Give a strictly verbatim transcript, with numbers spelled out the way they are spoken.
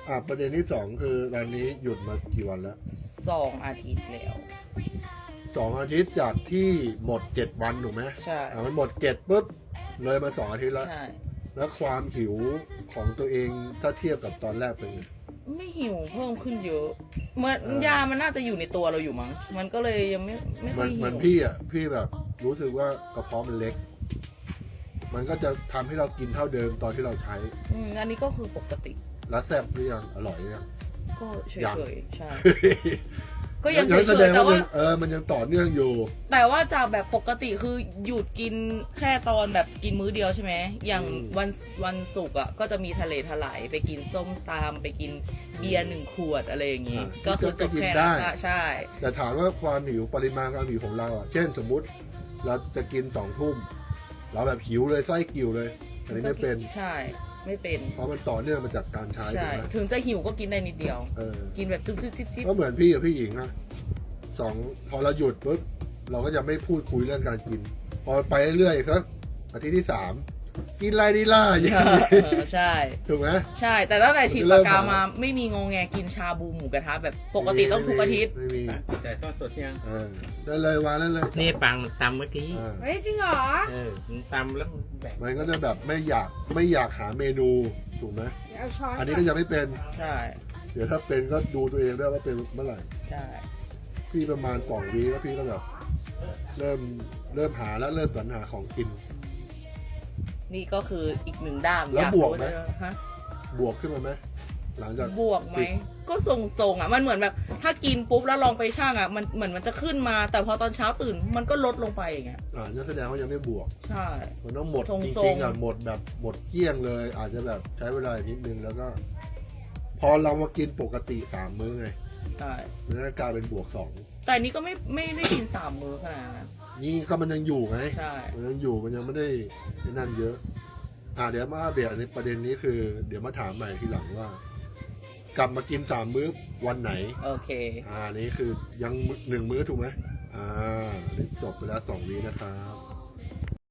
อ่ะประเด็นที่สองคือตอนนี้หยุดมากี่วันแล้วสองอาทิตย์แล้วสองอาทิตย์จากที่หมดเจ็ดวันถูกไหมใช่อ่ะมันหมดเจ็ดปุ๊บเลยมาสองอาทิตย์แล้วใช่แล้วความหิวของตัวเองถ้าเทียบกับตอนแรกเป็นไงไม่หิวเพิ่มขึ้นเยอะเหมือนเออยามันน่าจะอยู่ในตัวเราอยู่มั้งมันก็เลยยังไม่ไม่เหค่มืออย นหิเหมือนวพี่อ่ะพี่แบบรู้สึกว่ากระเพาะมันเล็ก มันก็จะทำให้เรากินเท่าเดิมตอนที่เราใช้อืมอันนี้ก็คือปกติแล้วแซ่บหรือยังอร่อยหรือยังก็เฉยังยๆใช่ ก็ยังงั้นเฉแสดยงๆแต่ว่าว่ามันเออมันยังต่อเนื่องอยู่แต่ว่าจากแบบปกติคือหยุดกินแค่ตอนแบบกินมื้อเดียวใช่ไหมอย่างอืมวันวันศุกร์อ่ะก็จะมีทะเลถลายไปกินส้มตำไปกินเบียร์หนึ่งขวดอะไรอย่างงี้อ่าก็คือจบก็กินแค่ได้นั้นอะใช่แต่ถามว่าความหิวปริมาณความหิวของเราอ่ะเช่นสมมุติเราจะกินสองทุ่มเราแบบหิวเลยไส้กิ่วเลยอันนี้ไม่เป็นใช่ไม่เป็นเพราะมันต่อเนื่องมาจากการใช้ถูใช่กไหมถึงจะหิวก็กินได้นิดเดียวเออกินแบบจุ๊บจิ๊บจิ๊บจิ๊บก็เหมือนพี่กับพี่หญิงอะสองพอเราหยุดปุ๊บเราก็จะไม่พูดคุยเรื่องการกิน พอไปเรื่อยๆสักอาทิตย์ที่สามกินไรดีล่ะอย่างนี้เออใช่ถูกไหมใช่ แต่ตั้งแต่ฉีดมันจะเริ่ปากมกาหามาไม่มีงงแงกินชาบูหมูกระทะแบบปกติต้องทุกอาทิตย์ไม่มีแต่ทอดสดยังเออได้เลยวางได้เลยนี่ปังมันตำเมื่อกี้อ่าเฮ้ยจริงเหรอเออมันตำแล้วมันแบ่งมันก็จะแบบไม่อยากไม่อยากหาเมนูถูกไหมเอาช้อนอันนี้ก็ยังไม่เป็นใช่เดี๋ยวถ้าเป็นก็ดูตัวเองด้วยว่าเป็นเมื่อไหร่ใช่พี่ประมาณสองวีแล้วพี่ก็แบบเริ่มเริ่มหาแล้วเริ่มสรรหาของกินนี่ก็คืออีกหนึ่งด้ามแล้วอยาบวกไหมรู้ฮะบวกขึ้นมาไหมหลังจากบวกไหม ก็ทรงๆอ่ะ มันเหมือนแบบ ถ้ากินปุ๊บแล้วลองไปช่างอ่ะ มันเหมือนมันจะขึ้นมา แต่พอตอนเช้าตื่น มันก็ลดลงไปอย่างเงี้ยอ่านั่นแสดงว่ายังไม่บวกใช่มันต้องหมดทรงๆจริงๆอ่ะหมดแบบหมดเกลี้ยงเลย อาจจะแบบใช้เวลาอีกนิดนึงแล้วก็ พอเรามากินปกติสามมื้อไงใช่มันก็กลายเป็นบวกสองแต่อันนี้ก็ไม่ไม่ได้กินสามมื้อขนาดนั้นนี่ก็มันยังอยู่ไงใช่มันยังอยู่มันยังไม่ได้ไอ้นั่นเยอะ อ่าเดี๋ยวมาอัปเดตในประเด็นนี้คือ เดี๋ยวมาถามใหม่ทีหลังว่า กลับมากินสามมื้อวันไหนโอเคอ่านี่คือยังหนึ่งมื้อถูกไหมอ่านี่จบไปแล้วสองวีนะครับ